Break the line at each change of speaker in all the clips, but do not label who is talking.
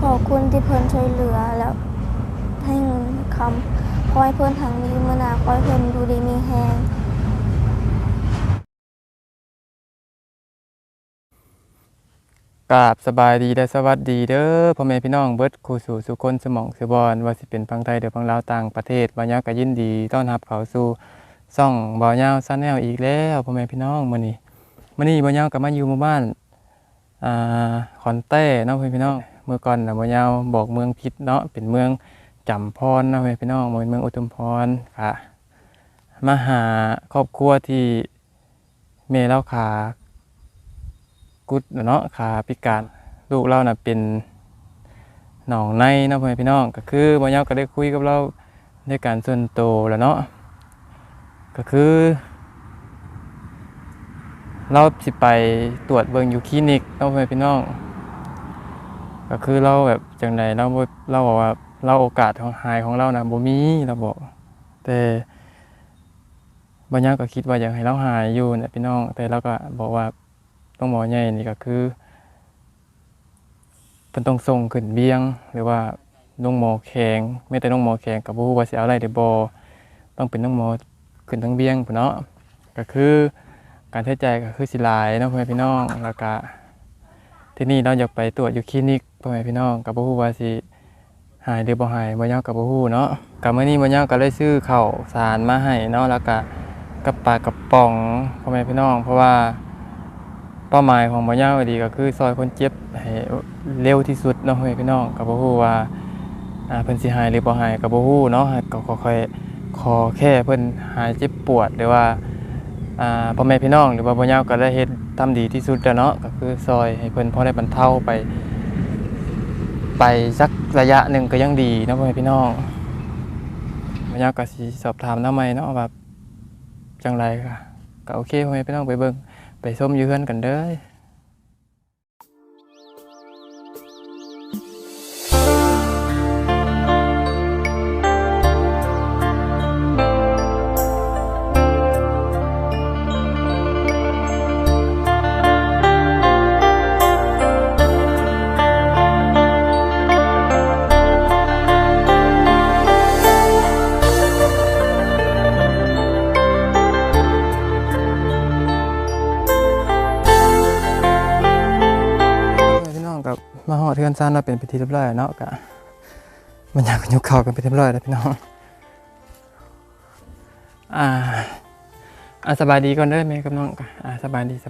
ขอบคุณที่เพิ่นช่วยเหลือแล้วให้เงินคำขอให้เพิ่นทางนี้มื้อหน้าขอให้เพิ่นอยู่ดีมีแรง
กราบสบายดีและสวัสดีเด้อพ่อแม่พี่น้องเบิดคู่สู่สุคนสมองสุบอนว่าสิเป็นฝั่งไทยหรือฝั่งลาวต่างประเทศบ่าวยาวก็ยินดีต้อนรับเข้าสู่ช่องบ่าวยาวซันแนลอีกแล้วพ่อแม่พี่น้องมื้อนี้บ่าวยาวก็มาอยู่หมู่บ้านอ่าขอนแต้เนาะพ่อแม่พี่น้องเมื่อก่อนน่ะบ่าวยาวบอกเมืองผิดเนาะเป็นเมืองจำพรเนาะพ่อแม่พี่น้องบ่เป็นเมืองอุทุมพรค่ะมาหาครอบครัวที่แม่เราขากุดเนาะขาพิการลูกเราน่ะเป็นหนองในเนาะพ่อแม่พี่น้องก็คือบ่าวยาวก็ได้คุยกับเราในการส่วนตัวแล้วเนาะก็คือเราสิไปตรวจเบิ่งอยู่คลินิกเนาะพ่อแม่พี่น้องก็คือเราแบบจังไดเราบอกว่าเราโอกาสของหายของเรานะบ่มีเราบอกแต่บ่าวยาวก็คิดว่าอยากให้เราหายอยู่เนี่ยพี่น้องแต่เราก็บอกว่าต้องหมอใหญ่นี่ก็คือเพิ่นต้องส่งขึ้นเบียงหรือว่าโรงหมอแข็งแม้แต่โรงหมอแข็งก็บ่ฮู้ว่าสิเอาอะไรได้บ่ต้องเป็นโรงหมอขึ้นทางเบียงพุ่นเนาะก็คือการใช้จ่ายก็คือสิหลายเนาะพ่อแม่พี่น้องแล้วก็ที่นี่เราอยากไปตรวจอยู่คลินิกพ่อแม่พี่น้องก็บ่ฮู้ว่าสิหายหรือบ่หายบ่ยาวก็บ่ฮู้เนาะก็มื้อนี้บ่ยาวก็เลยซื้อข้าวสารมาให้เนาะแล้วก็กับปลากระป๋องพ่อแม่พี่น้องเพราะว่าเป้าหมายของบ่ยาวดีก็คือซอยคนเจ็บให้เร็วที่สุดเนาะพ่อแม่พี่น้องก็บ่ฮู้ว่าเพิ่นสิหายหรือบ่หายก็บ่ฮู้เนาะก็ค่อยๆขอแค่เพิ่นหายเจ็บปวดหรือว่าพ่อแม่พี่น้องหรือว่าบ่ยาวก็ได้เฮ็ดทำดีที่สุดแล้วเนาะก็คือซอยให้เพิ่นพอได้บรรเทาไปสักระยะหนึ่งก็ยังดีเนาะพ่อแม่พี่น้องบ่ยาวก็สิสอบถามนำใหม่เนาะว่าจังไรค่ะก็โอเคพ่อแม่พี่น้องไปเบิ่งไปชมอยู่เฮือนกันเด้อพี่น้องกับมาฮอดเฮือนซ่านเราเป็นพิธีเรียบร้อยเนาะก็มันอยากยกเข้ากันไปเรียบร้อยแล้วพี่น้องสบายดีก่อนเด้อแม่กับน้องก็สบายดี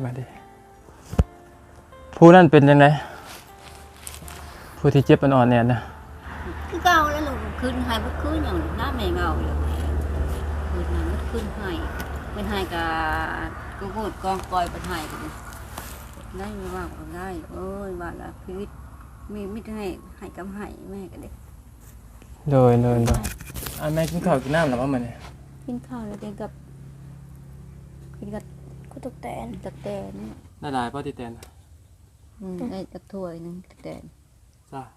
ผู้นั้นเป็นจังไดผู้ที่เจ็บอ่อนๆเนี่ยนะ
คือเก่าแล้วลูกคืนให้บ่คืนอย่างหน้าแม่เงาอยู่คืนนั้นคืนให้เป็นให้กับกูพูดกองกอยเป็นให้กันได้ไม่ว่าก็ได้โอ้ยว่าละชีวิตมีมิตรให้กำให้แม่กันเด็ก
โดยแม่กินข้าวกินน้ำหรือว่ามันเนี่ย
กินข้าวแล้วเด็กกับกินกับ
กุตกแตน
ตะแตนเนี่ย
ได้หลายป้อติแตน
ได้ตะถ้วยนึงตะแตน
จ้ะ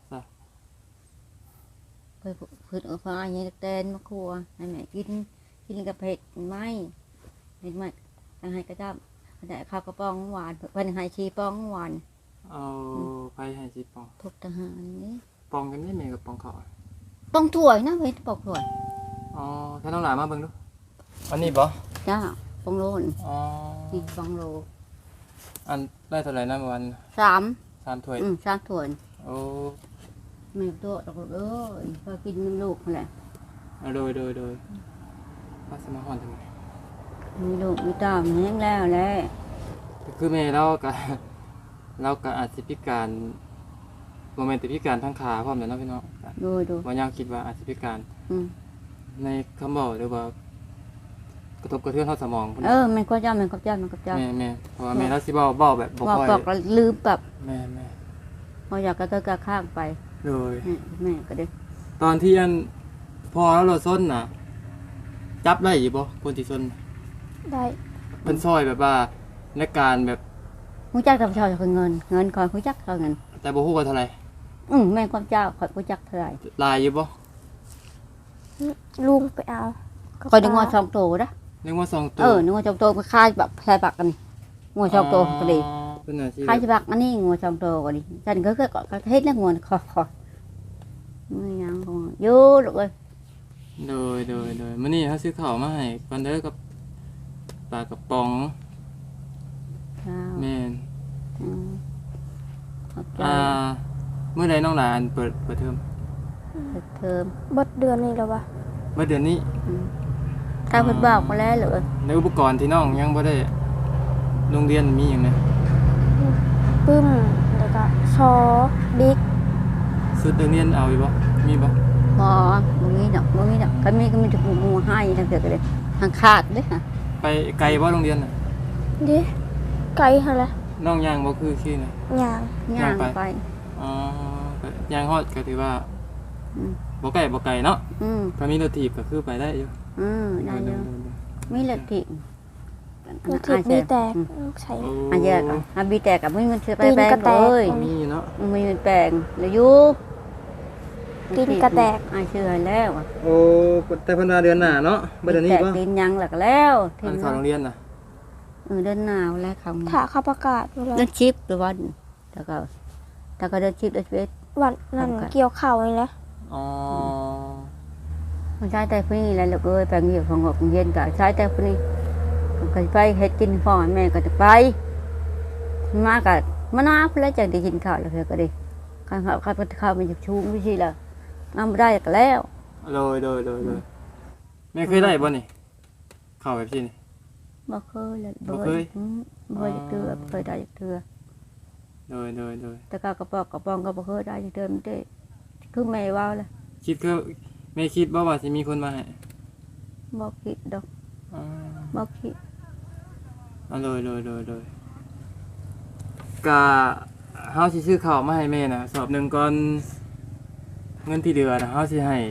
เพื่อพืชเอาฟ้าอย่างนี้ตะแตนมะครัวให้แม่กินกับเผ็ดไม่ให้กระจับแต่ข้าวกระป๋องหวานเพิ่นให้ชีป้องหวาน
เอาไปให้จีปอง
ทุกทหารนี่
ปองกันนี่แม่กับปองเขา
ป้องถ้วยนะเว้ยป้องถ้วย
อ๋อถ้าน้องหลานมาเบิ่งดูอันนี้บ่
จ้าป้องโลน
อ๋อ
นี่ป้องโล
อันได้เท่าไหร่นะวัน
3
ถ้วย
3ถ้วย
โอ้
ไม่ตัวดอกเอ้ยพอกินมันลูกแหละ
โดยว่าสมาฮอนทำไม
มีลูกมีเต้าแห้งแล้วแหละ
คือแม่เราก็อาจสิพิการโมเมนต์พิการทั้งขาพร้อมแล้วเนาะพี่น้อง
ดู
ว่ายาวคิดว่าอาจสิพิการ ในคำบอกหรือว่ากระทบกระเทือนเข้าสมองพุ่น
มันก็เจ้า
แม่เพราะว่าแม่เราสิบอกแบบบ่ค่อย
บอกลืมแบบ
แม่
พออยากกระข้างไป
โดย
แม่ก็ได้
ตอนที่อันพอแล้วเราส้นน่ะ จับได้อยู่บ่คนที่ส้น
ได้
เพิ่นซอยแบบว่าในการแบบ
ผู้จักกับชาวเงินคอยผู้จักเท่าเงิน
แต่บ่ฮู้ว่าเท่าไหร่
แม่ความเจ้าคอยผู้จักเท่าไหร่
ลายอยู่บ่
ลุงไปเอา
คอยดึงงอ2โตนะ
นึกว่า2ตัว
นึกว่า2โตก็ค่ายแบบใส่ปากกันนี่งอ2โตก็ดี
เพิ่นน่ะสิ
ค่ายใส่ปากอันนี้งอ2โตก็ดีฉันก็เฮ็ดแล้วงอคอมีหยังของอยู่ลูกเอ้ย
โดยมื้อนี้เฮาซื้อข้าวมาให้ก่อนเด้อกับปลากระป๋อง
ข้าว
แม่น
อืมขอบใจ
เมื่อใดน้องหลานเปิดเทอม
เปิดเทอม
เบิดเดือนนี้แล้ววะ
เมื่อเดือนนี้
อืมถ้าเพิ่นบอกมาแล้วลูกเอ้ย
ในอุปกรณ์ที่น้องยังบ่ได้โรงเรียนมีหยังนะ
ปึ้มแล้วก็ซอบิ๊ก
ชุดนักเรียนเอาอยู่บ่มีบ่
บ่มีดอกก็มีแต่หมู่ให้ทั้งเกิดเลยทางขาดเด้อค่ะ
ไปไกลบ่โรงเรียนน่ะ
ดิไกลหั่นแหละ
น้องย่างบ่คือขี้น่ะ
ย่าง
ย่างไป
อ๋อก็ย่างฮอดก็ถือว่า
อืม
บ่ไกลเนาะ
อืม
ถ้ามีรถถีบก็คือไปได้อยู่
ได้อยู่
ๆ
มีละติ
มันทิดบีแตกใช้
ๆโอ้
อันแยกอ่ะอันบีแตกกับไม่เงินซื้อไป
ตีน
แปลง
กระแตก
เลย
มีอยู่เนาะ
มีเงินแปลงเลยอยู่
ตีนกระแตก
อันซื้อให้แล้วอะ
โอ้แต่เพิ่นว่าเดือนหน้าเนาะบ่เดือนนี้
แตก
บ่
ตีนยังหลักแล้วที
อัน
นี้
เข้าโรงเรียนน่ะ
เดินหนาวแล้วคำ
ถ้าเขาประกาศเวลา
เดินชิปหรือวันแล้วก็เดินชิปเดินเวท
วันนั้นเกี่ยวข้าวนี่แหละ
อ๋อ
มันใช้แต่พวกนี้แหละลูกเอ้ยแปลงอยู่ของงเย็นก็ใช้แต่พวกนี้ก็ไปเฮ็ดกินพ่อแม่ก็จะไปมากับมะนาวแล้วจังได้กินข้าวแล้วเธอก็ได้ข้าวมันจะชูไม่ใช่ละน้ำได้ก็แล้ว
โดยแม่เคยได้บ่นี่เข้าแบบนี้นี่
บ่เคยเลย
บ่เคย
บ่เคยเคยได้เทื่อ
โดย
แต่กระป๋องก็บ่เคยได้เทื่อมันได้คือแม่ว่าเลย
คิดคือแม่คิดบ่ว่าสิมีคนมาให้
บ่คิดดอก
อ๋อ
บ่คิด
โดยก็เฮาสิซื้อข้าวมาให้แม่น่ะสอบหนึงก่อนเงินที่เหลือน่ะเฮาสิให้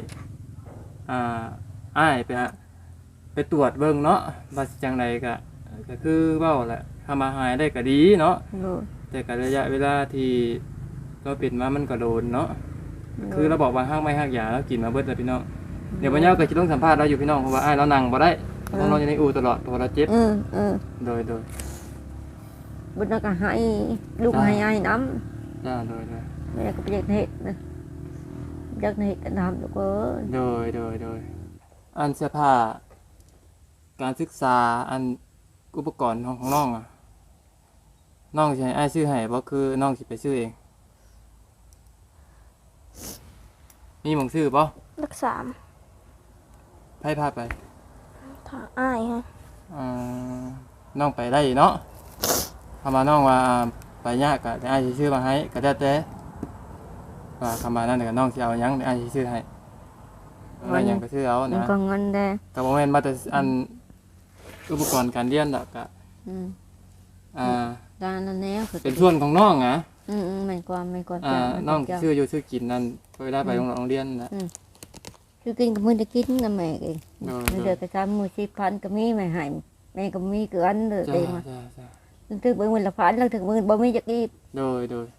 อ้ายไปตรวจเบิ่งเนาะว่าสิจังไดก็คือเว้าแหละถ้ามาหายได้ก็ดีเนาะ
โดย
แต่ก็ระยะเวลาที่เราเป็นมามันก็โดนเนาะคือเราบอกว่าห้างไม่ห้างยาแล้วกินมาเบิดแล้วพี่น้องเดี๋ยววันนี้ก็จะต้องสัมภาษณ์เราอยู่พี่น้องเพราะว่าอ้ายเรานั่งบ่ได้ต้องนอนอยู่ในอู่ตลอดเพราะว่าเราเจ็บโดย
บุญก็ให้ลูกให้น้ำ
จ้าโดย
แม่ก็ไปอยากเห็ดนะอยากเห็ดกันทำลูกเอ้ย
โดยอันเสื้อผ้าการศึกษาอันอุปกรณ์ของน้องอ่ะน้องสิให้อ้ายซื้อให้บ่คือน้องสิไปซื้อเองมีหม่องซื้อบ่
รักษา
ไผพาไป
ทางอ้ายฮะ
น้องไปได้เนาะคำว่าน้องว่าไปยากก็ได้อ้ายสิซื้อมาให้ก็แล้วแต่ว่าคำว่านั้นก็น้องสิเอาหยังได้อ้ายสิซื้อให้อะไรหยังก็ซื้อเอา
มัน
นะ
ก็เงินแดง
ก็บ่แม่นมาแต่อันอุปกรณ์การเรียนดอกก็อ่า
ด้านนั้นแนว
เป็นส่วนของน้องอ่ะ
มันความ
น้องซื้ออยู่ซื้อกินนั่นเวลาไปโรงเรียนนะ
คือกินกับมือได้กินนะแม่เอง
โดย
เดือดกระซ้ำมือ10,000ก็มีแม่ให้แม่ก็มีเกินเลย
จ้า
เองมา
จ้า
ถึงเบิ่งมื้อละพันแล้วถึงมื้อบ่มีจักอีก
โดย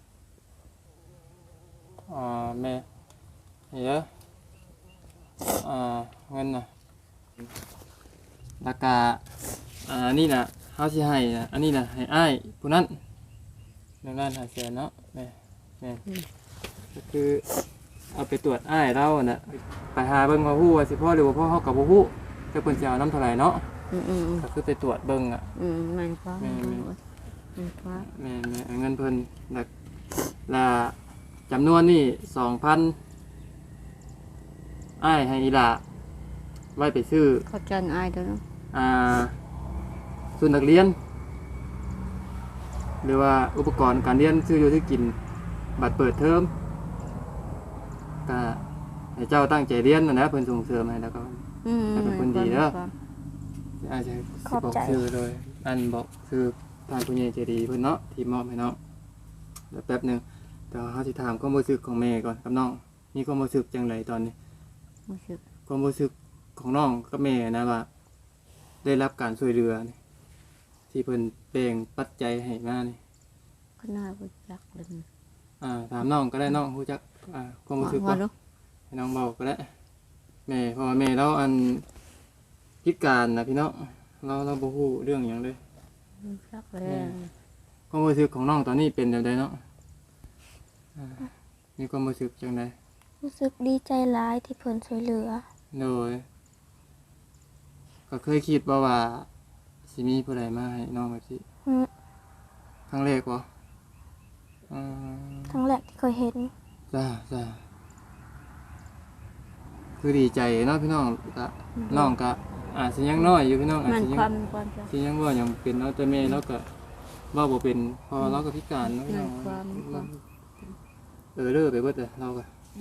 แม่นี่เด้อเงินน่ะราคานี่น่ะเฮาสิให้น่ะอันนี้น่ะให้อ้ายผู้นั้น1,500,000เนาะแม่ก็คือเอาไปตรวจอ้ายเราน่ะไปหาเบิ่งว่าฮู้ว่าสิพอหรือบ่พอเฮาก็บ่ฮู้แต่เพิ่นสิเอานำเท่าไหร่เนาะก็คือไปตรวจเบิ่งอ่ะ
มันความมันความ
แม่เงินเพิ่นละจำนวนนี่ 2,000อ้ายให้อีหล่าไว้ไปซื้อ
เข้าใจอายเด้อเนาะ
ชุดนักเรียน หรือว่าอุปกรณ์การเรียนซื้ออยู่ที่กินบัตรเปิดเทอมก็ให้เจ้าตั้งใจเรียนนะเพิ่นส่งเสริมให้แล้วก็ อาจจะบอกชื่อเลยอันบอกคือทางผู้ใหญ่ใจดีเพิ่นเนาะที่มอบให้เนาะเดี๋ยวแป๊บหนึงแต่เขาสิถามความรู้สึกของแม่ก่อนกับน้องมีความรู้สึกจังไดตอนนี้
รู้สึก
ความรู้สึกของน้องกับแม่นะว่า ได้รับการช่วยเหลือนี่ที่เพิ่นแบ่งปัจจัยให้มานี่
ก็น่ารู้จักเลย
ถามน้องก็ได้น้องรู้จักความรู้สึก
ว่า
บ่
ลูก
ให้น้องเบาก็ได้แม่เพราะว่าแม่เราอันพิการนะพี่น้องเราบ่ฮู้เรื่องหยังเลย
รู้จักเลย
ความรู้สึกของน้องตอนนี้เป็นแบบใดเนาะมีความรู้สึกจังได
รู้สึกดีใจหลายที่เพิ่นช่วยเหลือ
โดยก็เคยคิดบ่ว่าสิมีผู้ใดมาให้น้องแบบนี้
อืม
ครั้งแรกบ่อืม
ครั้งแรกที่เคยเห็น
จ้าคือดีใจเนาะพี่น้องก็น้องก็อาจสิยังน้อยอยู่พี่น้องอาจ
มัน
สิยั
ความ
ง
ความจ้ะ
ที่ยังว่ายังเป็นเนาะแต่แม่เราก็เว้าบ่เป็นพอเราก็พิการเนาะพี่น้อง
ความ
เด้อไปเบิดเลยเราก็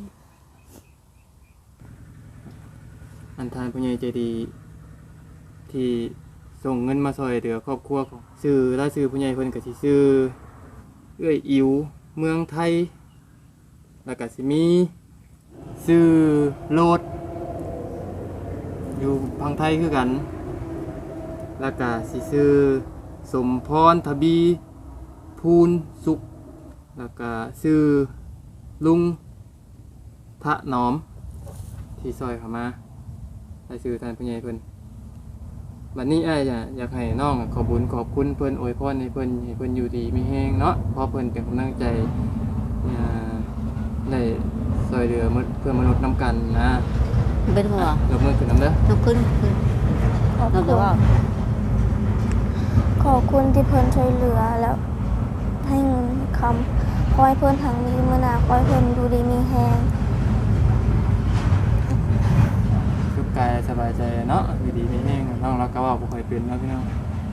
อันทานผู้ใหญ่ใจดีที่ส่งเงินมาช่วยเหลือครอบครัวของชื่อและชื่อผู้ใหญ่เพิ่นก็สิชื่อเอื้อยอิ๋วเมืองไทยแล้วก็สิมีชื่อโลดอยู่พังไทยคือกัน แล้วก็สิชื่อสมพรทบีภูนสุขแล้วก็ชื่อลุงทะหนอมที่ซอยเข้ามาได้ชื่อท่านผู้ใหญ่เพิ่นบัดนี้อ้ายอยากให้น้องขอบุญขอบคุณเพิ่นอวยพรให้เพิ่นอยู่ดีมีแฮงเนาะเพราะเพิ่นเป็นกำลังใจได้ซอยเหลือเพื่อนมนุษย์นํกันนะ
เป็นหัวย
กมือขึ้นนํเด้อ
ลุกขึ้น
ขอบ
เรา
คุ
จะ
ณ
ว่า
ขอบคุณที่เพิ่นช่วยเหลือแล้วให้เงินคำขอให้เพิ่นทางนี้มื้อหน้าขอให้เพิ่นอยู่ดีมีแฮง
สุขกายสบายใจเนาะอยู่ดีมีแฮงน้องเราก็เว้าบ่ค่อยเป็นเนาะพี่น้อง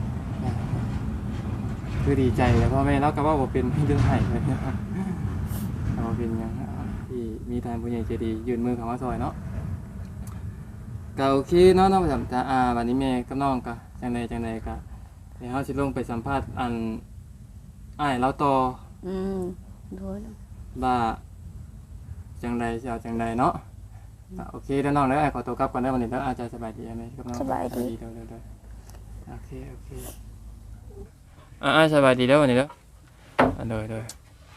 คือดีใจแล้วพ่อแม่เราก็เว้าบ่เป็นเรื่องให้เลยเราเป็นหยังที่มีท่านผู้ใหญ่ใจดียื่นมือเข้ามาซอยเนาะก็โอเคเนาะน้องประจำวันนี้แม่กับน้องก็จังใดก็เดี๋ยวเฮาสิลงไปสัมภาษณ์อันอ้ายเราต่อ
โดย
ว่าจังใดสิเอาจังใดเนาะโอเคเดี๋ยวน้องเด้ออ้ายขอตัวกลับก่อนเด้อวันนี้เด้ออาจจะสบายดีไหมกับน้อง
สบายดี
เด้อโอเคอ้ายสบายดีเด้อวันนี้เด้อเด้อ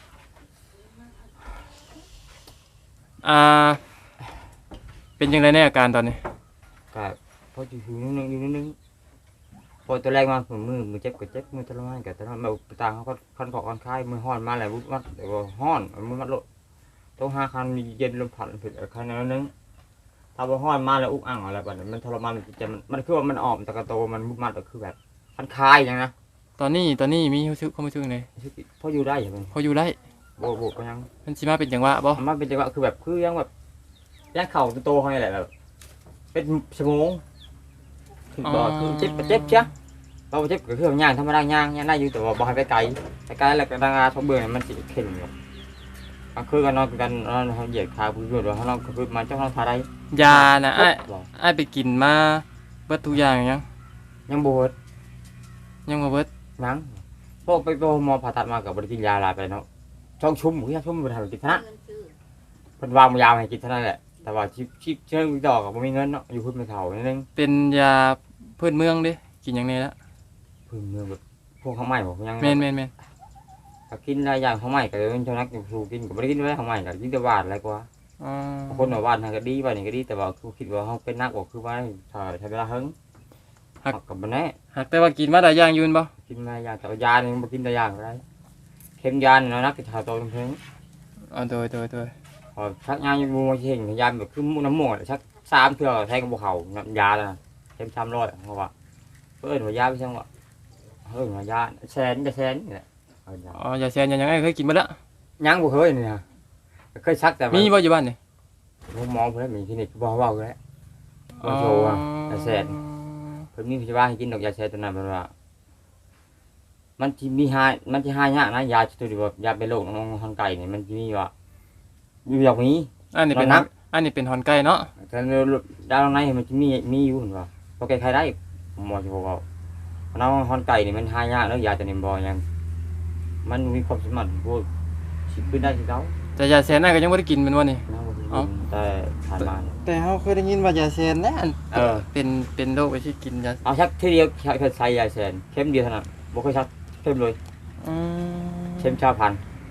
เป็นจังไดในอาการตอนนี้
ก็พออยู่นิดนึงพอตัวแรกมาผมมือเจ็บก็เจ็บมือทรมานก็ทรมานแบบต่างเขาก็คันขอคันคายมือห้อนมาแล้วมัดแต่ว่าห้อนมือมัดโลต้องหาคันมีเย็นลมผ่านผิดคันนั้นนึงถ้าว่าห้อนมาแล้วอุกอ่างอะไรแบบนั้นมันทรมานมันคือว่ามันออมตะกะโตมันมุดมัดก็คือแบบคันคายอย่างนะ
ตอนนี้มีความรู้สึกไง
พออยู่ได้อย่าง
พออยู่ได้
โบก็ยัง
มันสิมาเป็นจังหวะบ่
มันเป็นจังหวะคือแบบคือยังแบบย่างเข่าโตเขาเนี่ยแหละแบบเป็นชั่วโมงคือบอกคือเจ็บเชียเราเจ็บก็คืออย่างธรรมดาย่างได้อยู่แต่ว่าบ่ให้ไปไกลแล้วก็ดังอาทบเบื่อมันสิเข็มอยู่ก็คือกันนอนกันเขาเหยียดขาพื้นด้วยเขานอนคือมันเจ้าเขาทาได้
ยานะอ้ายไปกินมาเบิดทุกอย่าง
ยังบวช
ยังบ่เบิด
ยังพวกไปหมอผ่าตัดมากับบริกินยาลาไปเนาะช่องชุ่มหมูย่าชุ่มบริหารกินธนะเพิ่นวางยาให้กินเท่านั้นแหละแต่ว่าชิปเชิงดอกก็มีเงินเนาะอยู่พื้นไม่เท่านิดนึง
เป็นยาพื้นเมืองเด้กินหยังไงละ
พื้นเมืองแบบพวกข้าวใหม่บอกยัง
แม่น
ก็กินหลายอย่างข้าวใหม่ก็เลยชนักอยู่สู่กินก็บ่ได้กินไว้ข้าวใหม่ก็กินแต่หวานอะไรกว่า
อ๋อ
คนว่าหวานก็ดีว่านี่ก็ดีแต่ว่าคือคิดว่าเฮาเป็นนักก็คือว่าใช้เวลาหึงก็บ่แน่
หากแต่ว่ากินมาหลายอย่างอยู่บ่
กินมาอย่างแต่ว่ายานี่บ่กินแต่อย่างก็ได้เข็มยานี่เนาะนักที่ชาวโตเพิ่น
อ๋อโดย
พอชักยาอยู่บ่เห็นยาแบบคือน้ำหมดชัก3เทื่อแทงกับบ่เข้ายาน่ะเข็ม300เพราะว่าเพิ่นว่ายาไปจังว่าว่ายาแสนนี่แหละ
อ๋อยาแซนยังไงเคยกินมาละ
ยังบ่เคยนี่ฮะเคยชักแต่
มีบ่อยู่บ้านนี่
หมอเพิ่นมีคลินิกบ่เว้าแล้วบ่โชว์ยาแสนเพิ่นมีพยาบาลให้กินดอกยาแสนตัวนั้นเพิ่นว่ามันสิหายากนะยาตัวที่ว่ายาเป็นโรคน้องทางไก่นี่มันสิมีว่าอยู่อย่างนี้
อันนี้เป็นหอนไก่เนาะ
แต่ดาวในมันจะมีอยู่เห็นป่ะพอแก้ไขได้หมอจะบอกว่าน้องฮอนไก่นี่มันหายากแล้วยาจะนิ่มบ่ยังมันมีความสามารถพวกสิขึ้นได้สิเจ้า
แต่ยาแซนน่ะก็ยังบ่ได้กินแม่นบ่นี่
แต่ผ่านมา
แต่เฮาเคยได้ยินว่ายาแซนนะ เป็นโรคไปที่กินยา
เอาชักทีเดียวเคยใส่ยาแสนเข้มเดียวเท่านั้นบ่เคยชักเข้มเลยเข้มชาพัน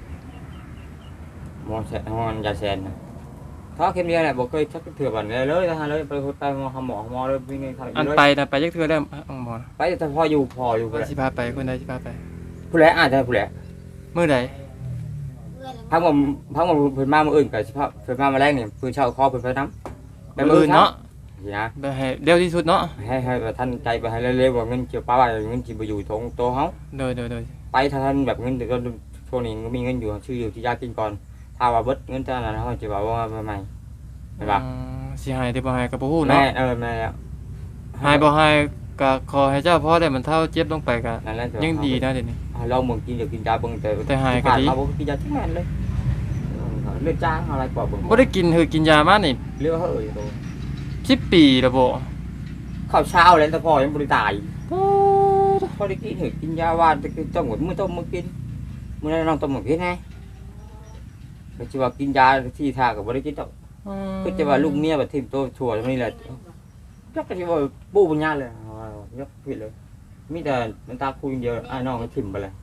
หมอแสนหมอยาแสนนะถ้าเข้มเดียวแหละบ่เคยชักเถื่อบันเลยเลยไปหมอเลยวิ่งไงทำ
อันไปนะไปจักเทื่อได้หมอ
ไปแต่พออยู่
สิพาไปคนใดสิพาไป
ผู้ใดอาจจะผู้ใด
มื้อใด
ม
พักมาเพิ่นมามื้ออื่นก็สิพาเพิ่นมาแรงนี่เพิ่นเช่าคอเพิ่นไปนำ
มื้ออื่นเนาะ
นะ
ไปให้เร็วที่สุดเนาะ
ให้ท่านใจไปให้เร็วๆว่าเงินเกี่ยวป้าว่าเงินสิบ่อยู่ทงโตเฮา
โดย
ไปถ้าท่านแบบเงินแต่ก็ช่วงนี้ก็มีเงินอยู่ชื่ออยู่ที่ยากินก่อนถ้าว่าเบิดเงินเท่านั้นเฮาสิว่าว่าใหม่เห็นป่ะ
สิให้ได้บ่ให้ก็บ่ฮู้
แม่
เนาะ
แม่แล้ว
ให้บ่ให้ก็ขอให้เจ้าพ่อได้มันเท่าเจ็บลงไปก็
นั่นแหละ
ยังดีนะเดี๋ยวนี้
เราเมืองกินเดี๋ยวกินยาเบิ่งแต่
หายก็ดี
เราบ่กินยาทุกแม่นเลยเลือดจ้างอะไรกว่าเบิ่ง
บ่ได้กินคือกินยามานี่
เลือดเฮ้ยโต
10 ปีแล้วบ่
ข้าวเช้าแล้วแต่พ่อยังบ่ได้ตายพอได้กินหือกินยาว่าจะกินต้มหมดมื้อต้มมื้อกินมื้อนั้นน้องต้มหมดกินไงก็สิว่ากินยาที่ท่าก็บ่ได้กินดอกคือจะว่าลูกเมียบัดทิ่มโตชั่วนี่แหละจักก็สิว่าปูปัญญาเลยยกผิดเลยมีแต่มันตาคุยเดียวอ้ายน้องก็ทิ่มไปเลย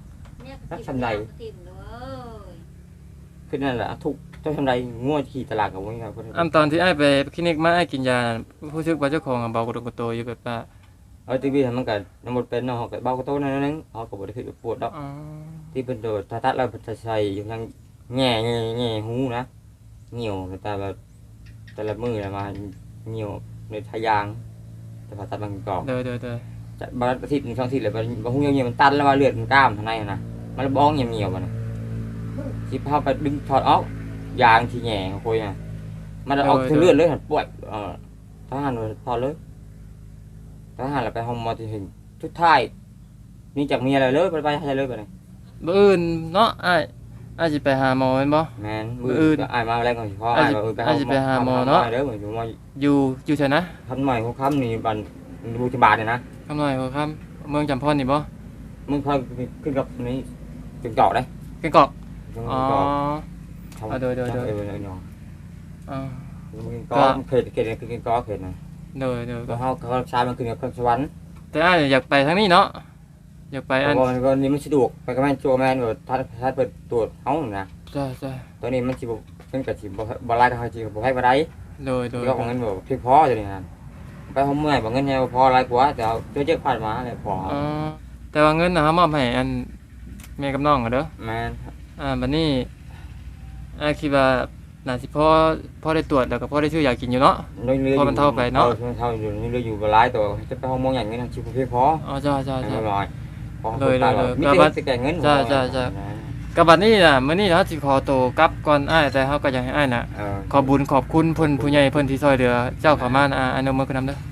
คือนั่นแหละทุกเจ้าทำไรงัวขี่ตลาดกับว่าไงเพิ่น
ตอนที่อ้ายไปคลินิกมาอ้ายกินยารู้สึกว่าเจ้าของเบากระดกกระโตอยู่แบบว่า
ทีวีมันก็น้ำมันเป็นเนาะก็เบาก็โตนั่นนึงเขาก็บ่ได้คือปวดดอกที่เพิ่นโดดถ้าตัดแล้วเพิ่นจะใส่อยู่ทางแง่หูนะเหี่ยวแต่แบบแต่ละมือมาเหี่ยวในทายางแต่ผ่าตัดบางกอก
เด้อ
จะบางอาทิตย์นึง2อาทิตย์แล้วบางหูเหี่ยวมันตันแล้วว่าเลือดมันกล้ามข้างในนะมันบ้องเหี่ยวๆมันสิพาไปดึงถอดออกยางที่แง่ของคุยน่ะมันออกถึงเลือดเลยหันปวดทหารถอดเลยทหารเราไปห้องมอที่ถึงทุกท้ายนี่จากเมียอะไรเลยไปให้เลยไปเลย
มื้ออื่นเนาะอ้ายสิไปหาหมอแม่นบ่
แมนมืออื่นอายมาแรงก่อนสิพ่ออายมาไปหาหมอเนาะเด้อเหมือนอยู่มา
อยู่ไสนะ
ทันใหม่ของคำนี่บันบูชบาทเนี่ยนะ
คำน้อยหัวค่ำเมืองจำพรนี่บ่
มึงพอขึ้นกับนี้จึงเจาะได้
เกงกอก
จึง
อ๋อ
เจาะ
โดย อ๋อ
มึงก็เขตคือก็เขตนะ
โดย
ก็เขาชามันขึ้นกับสวรรค์
แต่อ้ายอยากไปทางนี้เนาะอยากไปอัน
ก็นี่มันสะดวกไปกับแม่โจแมนแบบถ้าเปิดตรวจเฮานะ
จ้า
ตัวนี้มันสิเป็นกับสิบ่ไล่ทางสิบ่ให้บ่ได้
โดย
ก็ของเงินบ่เพียงพอจังนี่นะไปห้องเมื่อยบ่เงินแฮพอหลายกว่าแต่เอาเจอผ่านมาแล้วพอ
อ๋อแต่ว่าเงินนะเฮามอบให้อันแม่กับน้องเด้อ
แม่น
บัดนี้คิดว่าน่าสิพอได้ตรวจแล้วก็พอได้ซื้อยากินอยู่เนาะ พอมันเท่าไปเนาะ
มันเท่าอยู่นี่เลยอยู่บ่หลายตัวจะไปห้องมองอย่างนี้นะชิบ่เพียงพอ
อ๋อจ้า
ไม่ร้อยพอ
เลย
มี
ก็
แต่
บัด
สิแก่เงิน
จ้า กับบัดนี้น่ะมื้อนี้เฮาสิขอตัวกลับก่อนอ้ายแต่เฮาก็อยากให้อ้ายน่ะขอบุญขอบคุณเพิ่นผู้ใหญ่เพิ่นที่ช่วยเหลือเจ้าเข้ามานะอนุโมทนาเด้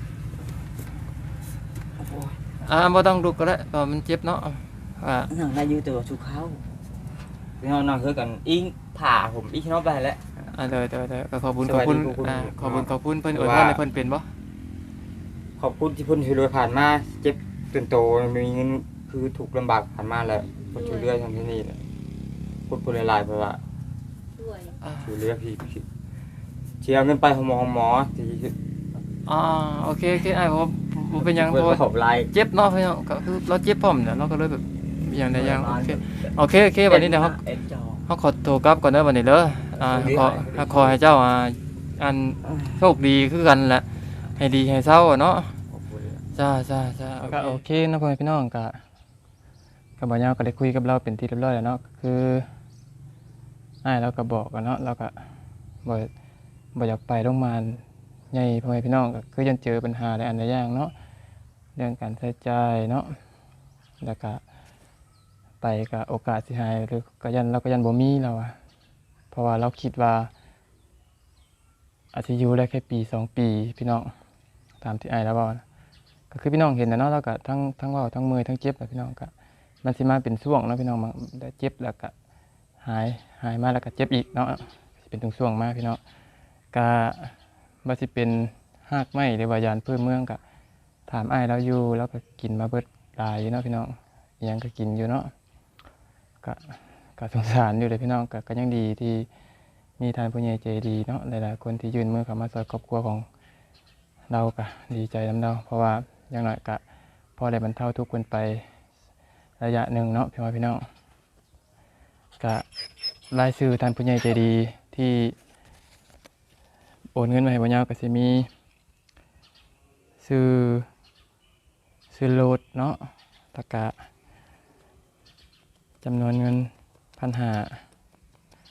อบ่ต้องลุกก็ได้เพราะมันเจ็บเนาะ
นั่งได้อยู่ตัวสุเขาพี่น้องนั่งคือกันอิงผ่าผมอีกน้องไปแล้ว
เด้อก็ขอบคุณขอบคุณขอบคุณเพิ่นอวยพรให้เพิ่นเป็นบ่
ขอบคุณที่เพิ่นช่วยเหลือผ่านมาเจ็บจนโตมีเงินคือถูกลำบากผ่านมาแล้วเพิ่นช่วยเหลือทางที่นี่พูดหลายๆเพราะว่าช่วยเหลือพี่เชียร์เงินไปหมอที่
โอเคอ้ายบ่เป็นหยัง
เพิ่น
เพราะ
ขอบลาย
เจ็บเนาะพี่น้องก็คือเราเจ็บพร้อมเนี่ยเราก็เลยแบบอย่างใดอย่างโอเควันนี้เดี๋ยวเขาขอตัวกลับก่อนเด้อวันนี้เด้อขอให้เจ้าอันโชคดีคือกันแหละให้ดีให้เศร้าเนาะจ้าก็โอเคนะพ่อแม่พี่น้องก็บ่ยาวก็ได้คุยกับเราเป็นที่เรียบร้อยแล้วเนาะคืออ้ายเราก็บอกกันเนาะเราก็บ่อยากไปโรงพยาบาลใหญ่พ่อแม่พี่น้องก็คือยังเจอปัญหาหลายอันหลายอย่างเนาะเรื่องการใช้จ่ายเนาะแล้วก็ไปก็โอกาสสิหายหรือก็ยันบ่มีแล้วอะเพราะว่าเราคิดว่าอาจจะอยู่ได้แค่ปี2ปีพี่น้องตามที่อ้ายแล้วบอกนะก็คือพี่น้องเห็นนะเนาะแล้วก็ทั้งเว้าทั้งเมื่อยทั้งเจ็บพี่น้องก็มันสิมาเป็นช่วงเนาะพี่น้องมันได้เจ็บแล้วก็หายมาแล้วก็เจ็บอีกเนาะสิเป็นช่วงๆมาพี่น้องก็ว่าสิเป็นหากไม้หรือว่ายานพื้นเมืองก็ถามอ้ายเราอยู่แล้วก็กินมาเบิดหลายอยู่เนาะพี่น้องอิหยังก็กินอยู่เนาะก็สงสารอยู่เลยพี่น้องก็ยังดีที่มีทานผู้ใหญ่ใจดีเนาะหลายๆคนที่ยื่นมือเข้ามาช่วยครอบครัวของเราก็ดีใจนำเราเพราะว่าอย่างน้อยก็พอได้บรรเทาทุกข์กันไประยะหนึ่งเนาะพี่น้องก็รายชื่อทานผู้ใหญ่ใจดีที่โอนเงินมาให้บ่ยาวก็สิมีซื้อโหลดเนาะแล้วก็จำนวนเงิน1,500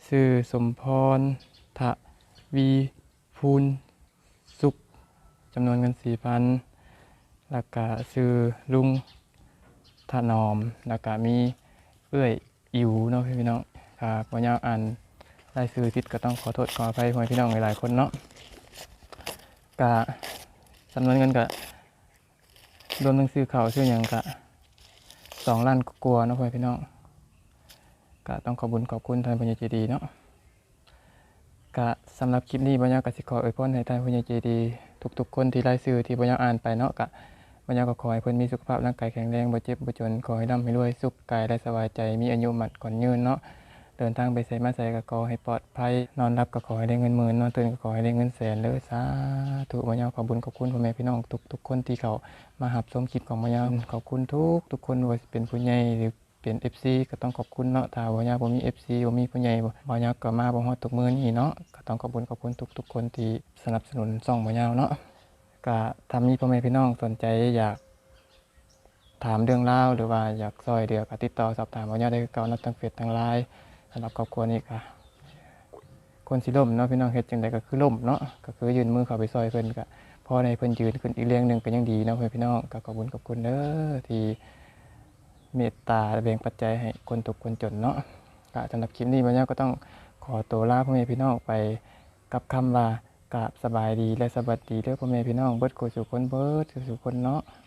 ชื่อสมพรทวีพูนสุขจำนวนเงิน 4,000แล้วก็ชื่อลุงถนอมแล้วก็มีเอื้อยอิ๋วเนาะพี่น้องครับบ่ยาวอ่านรายชื่อผิดก็ต้องขอโทษขออภัยพ่อแม่พี่น้องหลายๆคนเนาะก็จำนวนเงินก็รวมทั้งซื้อข้าวซื้อหยังก็2 ล้านกว่าๆเนาะพ่อแม่พี่น้องก็ต้องขอบคุณท่านผู้ใหญ่ใจดีเนาะก็สำหรับคลิปนี้บ่ยาวก็สิขออวยพรให้ท่านผู้ใหญ่ใจดีทุกๆคนที่รายชื่อที่บ่ยาวอ่านไปเนาะก็บ่ยาวก็ขอให้เพิ่นมีสุขภาพร่างกายแข็งแรงบ่เจ็บบ่จนขอให้ร่ำให้รวยสุขกายและสบายใจมีอายุมั่นขวัญยืนเนาะเดินทางไปไสมาไสก็ขอให้ปลอดภัยนอนหลับก็ขอให้ได้เงินหมื่นนอนตื่นก็ขอให้ได้เงินแสนเด้อสาธุบ่ยาวขอบคุณพ่อแม่พี่น้องทุกๆคนที่เขามารับชมคลิปของบ่ยาวขอบคุณทุกคนว่าสิเป็นผู้ใหญ่หรือเป็น FC ก็ต้องขอบคุณเนาะถ้าบ่ยาวบ่มี FC บ่มีผู้ใหญ่บ่ยาวก็มาบ่ฮอดทุกมื้อนี้เนาะก็ต้องขอบคุณทุกๆคนที่สนับสนุนช่องบ่ยาวเนาะก็ถ้ามีพ่อแม่พี่น้องสนใจอยากถามเรื่องราวหรือว่าอยากซอยเหลือก็ติดต่อสอบถามบ่ยาวได้คือเก่าเนาะทางเฟซทาง LINE สำหรับครอบครัวนี้ก็คนสิล่มเนาะพี่น้องเฮ็ดจังไดก็คือล่มเนาะก็คือยื่นมือเข้าไปซอยเพิ่นก็พอได้เพิ่นยืนขึ้นอีกเรื่องหนึงก็ยังดีเนาะพี่น้องก็ขอบคุณเด้อที่เมตตาแบ่งปัจจัยให้คนทุกข์คนจนเนาะก็สำหรับคลิปนี้บ่ยาวก็ต้องขอตัวลาพ่อแม่พี่น้องไปกับคำว่ากราบสบายดีและสวัสดีเด้อพ่อแม่พี่น้องเบิดคู่สู่คนเนาะ